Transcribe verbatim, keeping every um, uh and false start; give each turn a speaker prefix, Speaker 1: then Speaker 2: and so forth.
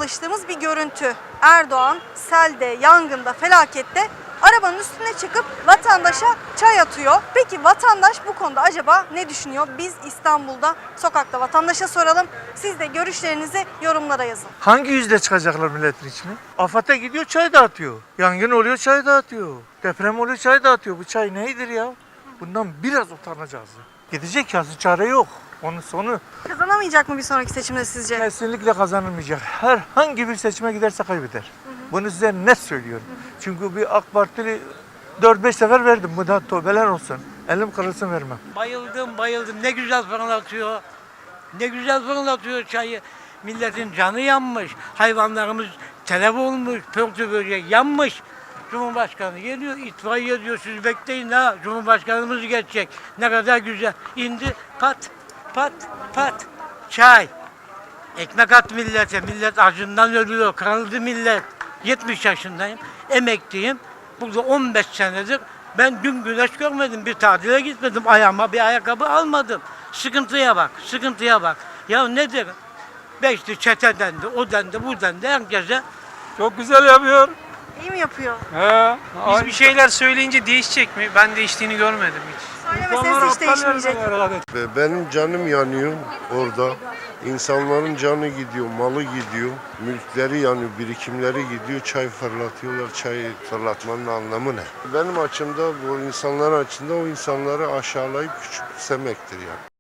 Speaker 1: alıştığımız bir görüntü. Erdoğan selde, yangında, felakette arabanın üstüne çıkıp vatandaşa çay atıyor. Peki vatandaş bu konuda acaba ne düşünüyor? Biz İstanbul'da sokakta vatandaşa soralım. Siz de görüşlerinizi yorumlara yazın.
Speaker 2: Hangi yüzle çıkacaklar milletin içine? AFAD'a gidiyor çay dağıtıyor. Yangın oluyor çay dağıtıyor. Deprem oluyor çay dağıtıyor. Bu çay nedir ya? Bundan biraz utanacağız. Gidecek ya, çare yok. Onun sonu
Speaker 1: Kazanamayacak mı bir sonraki seçimde sizce?
Speaker 2: kesinlikle kazanılmayacak. Herhangi bir seçime giderse kaybeder. Hı hı. Bunu size net söylüyorum. Hı hı. Çünkü bir AK Partili dört beş sefer verdim. Bu da tövbeler olsun. Elim kırılsın vermem.
Speaker 3: Bayıldım bayıldım. Ne güzel fırlatıyor. Ne güzel fırlatıyor çayı. Milletin canı yanmış. Hayvanlarımız telef olmuş. Pörtü böcek yanmış. Cumhurbaşkanı geliyor, itfaiye diyor, siz bekleyin ha, Cumhurbaşkanımız geçecek. Ne kadar güzel. İndi, pat, pat, pat, çay. Ekmek at millete, millet acından ölüyor, kırıldı millet. yetmiş yaşındayım, emekliyim. Burada on beş senedir ben dün güneş görmedim, bir tatile gitmedim, ayağıma bir ayakkabı almadım. Sıkıntıya bak, sıkıntıya bak. Ya nedir? Beşli çete dendi, o dendi, bu dendi, herkese.
Speaker 4: Çok güzel yapıyor.
Speaker 1: İyi mi yapıyor?
Speaker 4: He.
Speaker 5: Biz bir şeyler söyleyince değişecek mi? Ben değiştiğini görmedim hiç.
Speaker 1: Söylemeseniz hiç değişmeyecek.
Speaker 6: Benim canım yanıyor orada. İnsanların canı gidiyor, malı gidiyor, mülkleri yanıyor, birikimleri gidiyor, çay fırlatıyorlar. Çay fırlatmanın anlamı ne? Benim açımda, bu insanların açısında o insanları aşağılayıp küçümsemektir yani.